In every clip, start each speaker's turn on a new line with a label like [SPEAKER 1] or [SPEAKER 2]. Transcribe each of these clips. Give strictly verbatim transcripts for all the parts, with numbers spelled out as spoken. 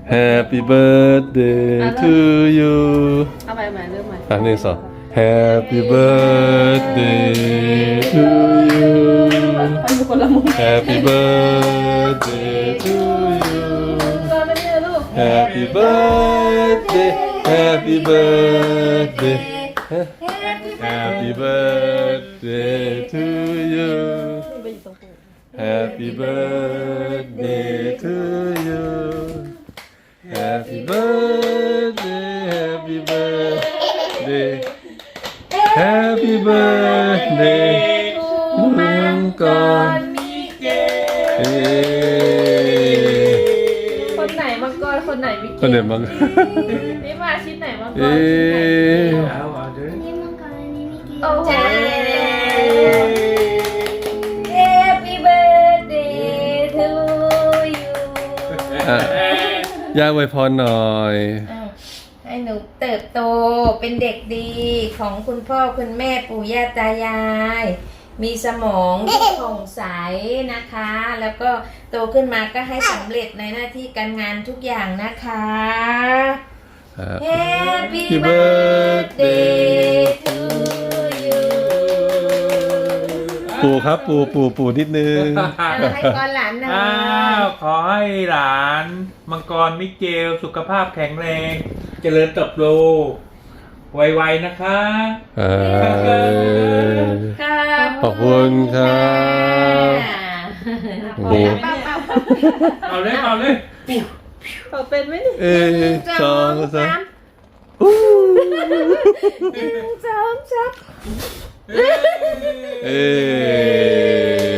[SPEAKER 1] Happy birthday to you
[SPEAKER 2] เอาไปใหม่เริ่มใหม่
[SPEAKER 1] อ่ะหนึ่งสอง Happy birthday to you
[SPEAKER 2] ไปทุกคนละมุม
[SPEAKER 1] Happy birthday to you
[SPEAKER 2] ก็ไม่ได้ลูก
[SPEAKER 1] Happy birthday Happy birthday Happy birthday to you Happy birthday to you Happy birthday Happy birthday Happy birthday มังกรเอ้
[SPEAKER 2] คนไหนมังกรคนไหนมิก
[SPEAKER 1] คนไหนมัง
[SPEAKER 2] นี่มาชิ้นไหนมังกร
[SPEAKER 1] เอ้
[SPEAKER 3] นี่มังกรนี่มิกกี้
[SPEAKER 2] โอ้โห
[SPEAKER 3] Happy birthday to you
[SPEAKER 1] อ่ะย่าอวยพรหน่อย
[SPEAKER 3] ให้หนูเติบโตเป็นเด็กดีของคุณพ่อคุณแม่ปู่ย่าตายาย มีสมองที่ผ่องใสนะคะ แล้วก็โตขึ้นมาก็ให้สำเร็จในหน้าที่การงานทุกอย่างนะคะ Happy birthday to you
[SPEAKER 1] ปู่ครับปู่ปู่ปู่นิดนึง
[SPEAKER 3] เอาให้ก่อนหลานหน่อย
[SPEAKER 4] อ้าวขอให้หลานมังกรมิเกลสุขภาพแข็งแรง เจริญเติบโตไวๆนะคะ
[SPEAKER 1] เออ
[SPEAKER 3] ครับ
[SPEAKER 1] ขอบคุณครับ โอ้โห
[SPEAKER 4] เอาเลยเอาเลย
[SPEAKER 2] เขาเป็นไหมเนี่ย
[SPEAKER 1] เอ้ยสองสาม
[SPEAKER 3] หนึ่งสองสาม
[SPEAKER 1] เอ้ย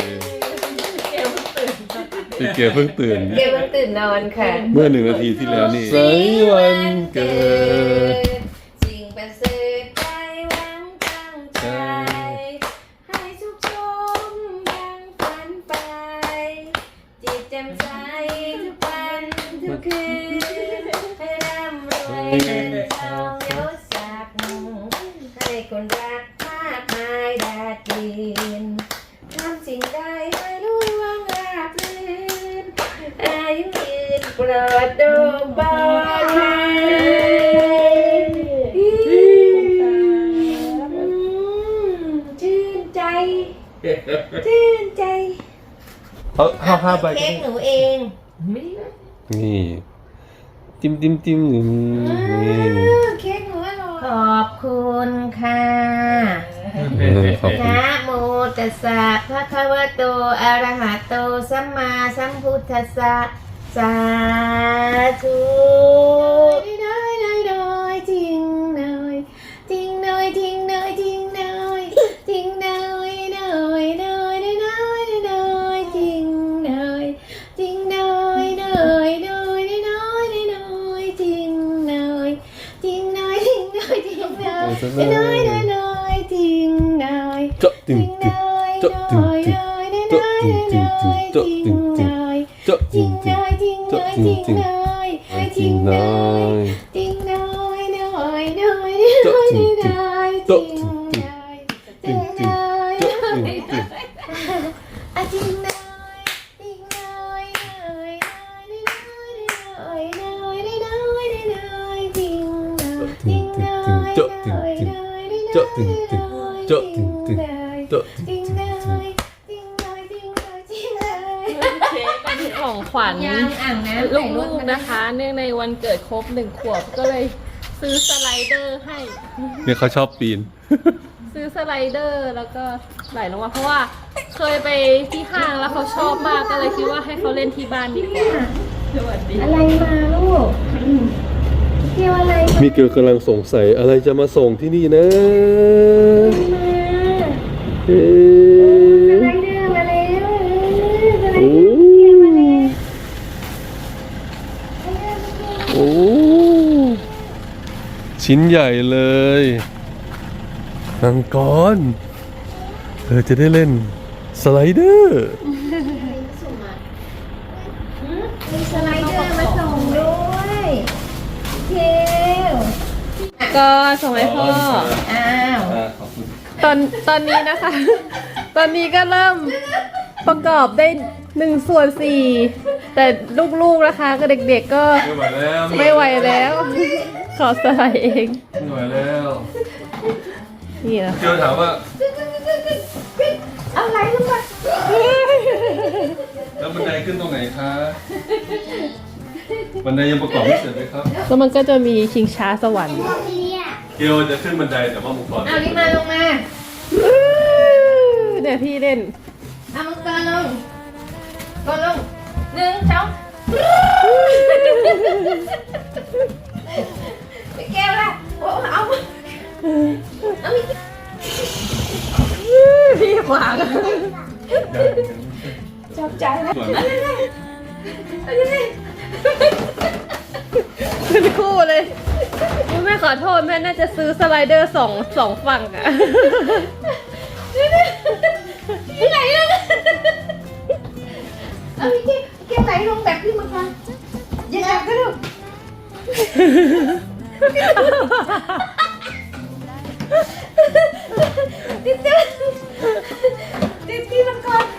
[SPEAKER 1] พี่เกียวเพิ่งตื่น
[SPEAKER 3] เกลวันตื่นนอนค่ะ
[SPEAKER 1] เมื่อหนึ่งนาทีที่แล้วนี่สัยวันเกิด
[SPEAKER 3] สิ่งประเสริฐใจหวังตั้งใจ ให้สุขสมดังฝันไป จิตแจ่มใสทุกวันทุกคืน ให้ร่ำรวยเงินทองยศศักดิ์ให้คนรักมากมายดาดินทำสิ่งใดให้รู้ว่างราบรื่นอายุยืนปลอดโดมบอดภัยชื่นใจ ชื่นใจ
[SPEAKER 1] เอาเอาห้าใบ
[SPEAKER 3] เค้กหนูเองไม่ได้
[SPEAKER 1] นี่จิ้มจิ้มจิ้มนี่
[SPEAKER 3] เค้กหนูอร่อยขอบคุณค่ะ
[SPEAKER 1] เออขอบคุณ
[SPEAKER 3] นะโมตัสสะภะคะวะโตอะระหะโตสัมมาสัมพุทธัสสะสาธุน้อยน้อยน้อยจริงน้อยจริงน้อยจริงน้อยจริงน้อยจริงน้อยน้อยน้อยน้อยน้อยจริงน้อยจริงน้อยน้อยน้อยน้อยน้อยจริงน้อยจริงน้อยจริงน้อยจริงน้อยน้อยน้อยน้อยจริงน้อย
[SPEAKER 1] เจาะตึงตึงเจาะตึงตึงเจาะตึงตึงตึงเจาะตึงตึงเจาะตึงตึงเจาะตึงตึงจริงน้อย
[SPEAKER 3] จริงน้อยน้อยน้อย
[SPEAKER 1] เจาะตึงตึง
[SPEAKER 3] น้อย
[SPEAKER 1] เจาะตึงตึงตึงตึงเจาะตึงตึง
[SPEAKER 3] อะจริงน้อยจริงน้อยน้อยน้อยน้อยน้อยน้อยจริงน้อยจริงน้อย
[SPEAKER 1] เจาะตึงตึงเจาะตึงตึงเจาะตึงตึงเจาะตึง
[SPEAKER 3] จริง
[SPEAKER 1] ตึง
[SPEAKER 3] น้อยจริงน้อยจริงน้อยจริงน้อย
[SPEAKER 2] เค้กเป็นของขวัญ
[SPEAKER 3] ยังอ่างน้ำ
[SPEAKER 2] ลูกๆนะคะ เนื่องในวันเกิดครบหนึ่งขวบก็เลยซื้อสไลเดอร์ให้
[SPEAKER 1] เนี่ยเขาชอบปีน
[SPEAKER 2] ซื้อสไลเดอร์แล้วก็ไหลลงมาเพราะว่าเคยไปที่ห้างแล้วเขาชอบมากก็เลยคิดว่าให้เขาเล่นที่บ้านดีกว่าสวัสดี
[SPEAKER 3] อะไรมาลูกเกี่ยวอะไรมา
[SPEAKER 1] มีเกลกำลังสงสัยอะไรจะมาส่งที่นี่นะเอ๊
[SPEAKER 3] สไละ เดอร์มาแล้วสไล
[SPEAKER 1] โอ้
[SPEAKER 3] เดอร์มาแล้ว
[SPEAKER 1] โอ้ชิ้นใหญ่เลยนังกรเธอจะได้เล่นสไลเดอร์
[SPEAKER 3] มีสไลเดอร์มาส่งด้วยเทล
[SPEAKER 2] ก็ส่งให้พ่อ
[SPEAKER 3] อ้าว
[SPEAKER 1] ขอบคุณ
[SPEAKER 2] ตอนตอนนี้นะคะ ตอนนี้ก็เริ่มประกอบได้หนึ่งส่วนสี่แต่ลูกๆนะคะก็เด็กๆก็
[SPEAKER 1] ไม่ไหวแล้ว
[SPEAKER 2] ไม่ไหวแล้ว ขอสไลด์เอง
[SPEAKER 1] ไม่ไหวแล้ว
[SPEAKER 2] นี่นะ
[SPEAKER 1] เจอถามว่า
[SPEAKER 3] เอาไหลลงมา
[SPEAKER 1] แล้วบันไดขึ้นตรงไหนคะบันไดยังประกอบไม่เสร็จเลยครับ
[SPEAKER 2] แล้วมันก็จะมีชิงช้าสวรรค์
[SPEAKER 1] เกลจะขึ้นบันไดแต่ว่ามังกร
[SPEAKER 3] เอานี่มาลงมา
[SPEAKER 2] เดี๋ยวพี่เล่น
[SPEAKER 3] เอามังกรลงกดลงหนึ่งสองไปแก้วละโอ้เอามาเอามี
[SPEAKER 2] พี่ขวาง
[SPEAKER 3] จับใจแล้ว
[SPEAKER 1] ส่วน
[SPEAKER 3] เอายังไงเอายังไง
[SPEAKER 2] เป็นคู่เลยแม่ขอโทษแม่น่าจะซื้อสไลเดอร์สองสองฝั่งอะ
[SPEAKER 3] ไหลลงเอามีแก้วแก้วไหลลงแบบพี่มังกรอย่าจับก็ลูกติดติดติดพี่มังกร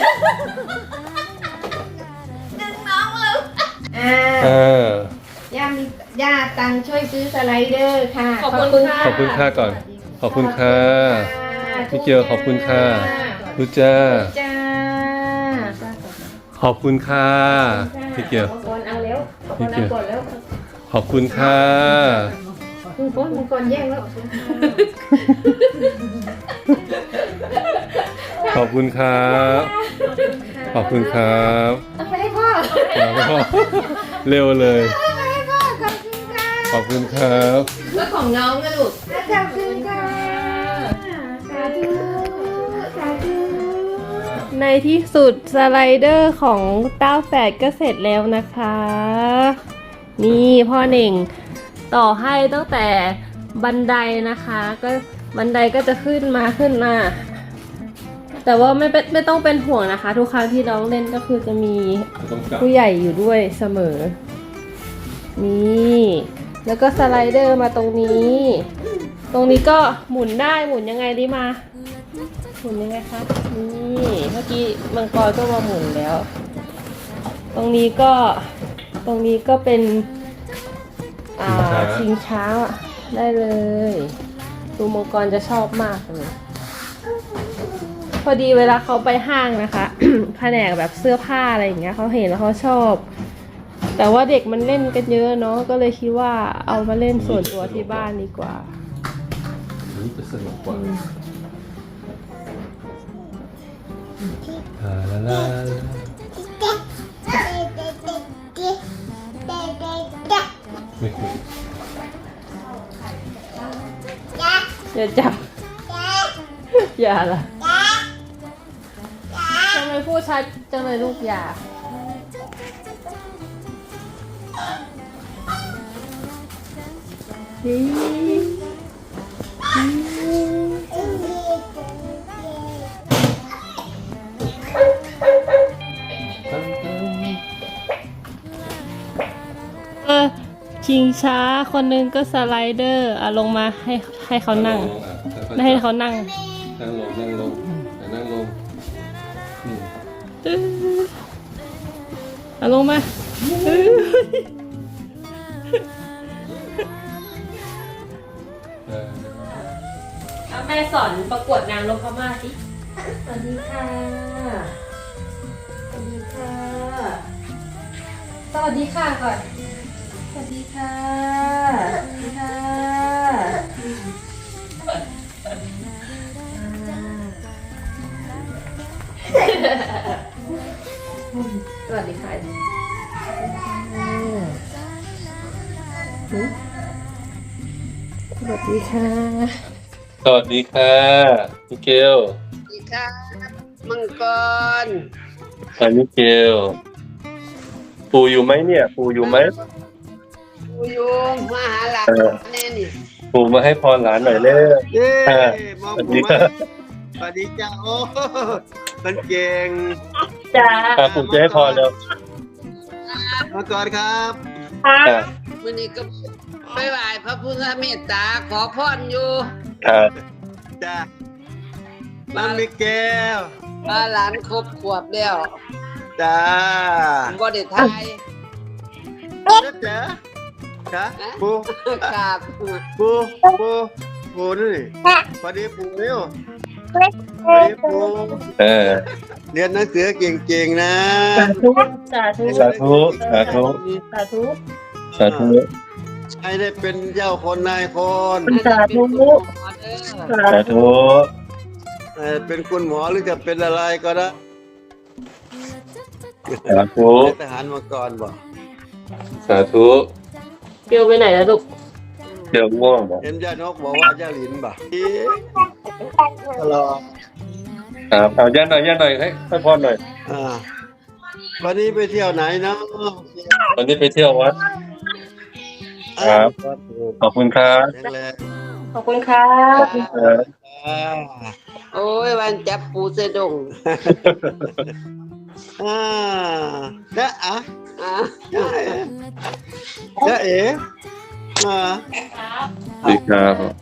[SPEAKER 3] ดึงน้องเลยอ่า
[SPEAKER 1] อ่า
[SPEAKER 3] ย่ามีย่าตังค์ช่วยซื้อสไลเดอร์ค่ะ
[SPEAKER 2] ขอบคุณค่ะ
[SPEAKER 1] ขอบคุณค่าก่อน ขอบคุณค่ะพี่เกลขอบคุณค่ะรู้จ้า
[SPEAKER 3] จ้า
[SPEAKER 1] ขอบคุณค่ะพี่เกล
[SPEAKER 3] มังกรเอาแล้วขอบคุณเอาก่อนแล้ว
[SPEAKER 1] ขอบคุณค่ะ
[SPEAKER 3] มังกรมังกรแย่งแล้ว
[SPEAKER 1] ขอบคุณครับขอบคุณครับ
[SPEAKER 3] เอาไปให้พ่อ
[SPEAKER 1] แล้วก็เร็วเลย
[SPEAKER 3] เอาไปให้พ่อขอบคุณค่ะ
[SPEAKER 1] ขอบคุณครับ
[SPEAKER 3] แล้วของน้องนะลูกขอบคุณค่ะสาธุสาธุ
[SPEAKER 2] ในที่สุดสไลเดอร์ของเต้าแฝดก็เสร็จแล้วนะคะ นี่พ่อเน่งต่อให้ตั้งแต่บันไดนะคะ ก็บันไดก็จะขึ้นมาขึ้นมา แต่ว่าไม่เป็นไม่ต้องเป็นห่วงนะคะ ทุกครั้งที่น้องเล่นก็คือจะมี
[SPEAKER 1] ต้องกลับ
[SPEAKER 2] ผู้ใหญ่อยู่ด้วยเสมอ นี่ แล้วก็สไลเดอร์มาตรงนี้ ตรงนี้ก็หมุนได้หมุนยังไงดีมา หมุนยังไงคะ นี่เมื่อกี้มังกรก็มาหมุนแล้ว ตรงนี้ก็ ตรงนี้ก็เป็น อ่าชิงช้าได้เลยดูมังกรจะชอบมากเลย พอดีเวลาเขาไปห้างนะคะ แผนกแบบเสื้อผ้าอะไรอย่างเงี้ยเขาเห็นแล้วเขาชอบ แต่ว่าเด็กมันเล่นกันเยอะเนาะก็เลยคิดว่าเอามาเล่นส่วนตัวที่บ้านดีกว่า
[SPEAKER 1] นี่จะสนุกกว่าลาลาลาไม่คุย
[SPEAKER 2] อย่าจับ อย่าล่ะทำไมพูดชัดจังเลยลูกอย่านี่เออชิงช้าคนหนึงก็สไลเดอร์อ่ะลงมาให้ให้เขานั่ง ให้เขานั่ง
[SPEAKER 1] นั่งลงนั่งลงนั่งลงนี่
[SPEAKER 2] ตื้อเอาลงมาตื้อ
[SPEAKER 1] เออ
[SPEAKER 2] เอาแม่สอนประกวดนางนพม่าสิสวัสดีค่ะ สวัสดีค่ะ สวัสดีค่ะก่อน สวัสดีค่ะ สวัสดีค่ะสวัสดีค่ะสวัสดีค่ะ
[SPEAKER 1] สวัสดีค่ะมิเกล
[SPEAKER 5] สวัสดีค่ะมังกร
[SPEAKER 1] ค่ะมิเกลปู่อยู่ไหมเนี่ย ปู่อยู่ไหม
[SPEAKER 5] ปูยูมาหาหลาน
[SPEAKER 1] เออ
[SPEAKER 5] แน่นี่
[SPEAKER 1] ปู่มาให้พรหลานหน่อยเร็ว
[SPEAKER 5] เย้
[SPEAKER 1] อ่า
[SPEAKER 5] มอง
[SPEAKER 1] สวัส
[SPEAKER 5] ปู
[SPEAKER 1] ดี
[SPEAKER 5] มา
[SPEAKER 1] ค่ะ
[SPEAKER 5] สวัสดีจ้าโอ้มันเก่ง
[SPEAKER 2] จ้า
[SPEAKER 1] อ่ะปู่จะให้พรแล้ว
[SPEAKER 5] มังกรครับ
[SPEAKER 1] อ่ะ
[SPEAKER 5] วันนี้ก็ไปไหว้พระพุทธเมตตาขอพรอยู่
[SPEAKER 1] ครับ
[SPEAKER 5] จ้าน้องมิเกลมาหลานครบขวบแล้ว
[SPEAKER 6] จ้า
[SPEAKER 5] บ่ได้ทาย
[SPEAKER 6] เด็ดเจ๋อจ้าปู
[SPEAKER 5] ครับ
[SPEAKER 6] ปูปูปูนี่พอดีปูเร็วพอดีปู
[SPEAKER 1] เออ
[SPEAKER 6] เรียนหนังสือเก่งๆนะ
[SPEAKER 2] สาธุสาธุ
[SPEAKER 1] สาธุสาธุ
[SPEAKER 2] สาธุ
[SPEAKER 1] สาธุ
[SPEAKER 6] ให้ได้เป็นเจ้าคนนายคน
[SPEAKER 2] สาธุ
[SPEAKER 1] สาธุ
[SPEAKER 6] เอ่อเป็นคุณหมอหรือจะเป็นอะไรก็ได้
[SPEAKER 1] สาธุ
[SPEAKER 6] เป็นทหารมาก่อนบอก
[SPEAKER 1] สาธุ
[SPEAKER 2] เกียวไปไหนแล้วลูก
[SPEAKER 1] เดี๋ยวง่วงบอก
[SPEAKER 6] เห็นย่านกบอกว่าย่าหลินบ่ตลอด
[SPEAKER 1] ครับเอาย่าหน่อยย่าหน่อยให้ให้พรหน่อย
[SPEAKER 6] อ่าวันนี้ไปเที่ยวไหนเนาะ
[SPEAKER 1] วันนี้ไปเที่ยววัด ครับ ขอบคุณครับ
[SPEAKER 6] แข็งแรง
[SPEAKER 2] ขอบคุณครับ
[SPEAKER 1] ครับ
[SPEAKER 6] อ่า
[SPEAKER 5] โอ้ยวันจับปูเสดง
[SPEAKER 6] อ่าจ๊ะอ่ะ
[SPEAKER 5] อ่ะ
[SPEAKER 6] จ๊ะเอ๋จ๊ะเอ๋อ่า
[SPEAKER 1] สวัสดีครับ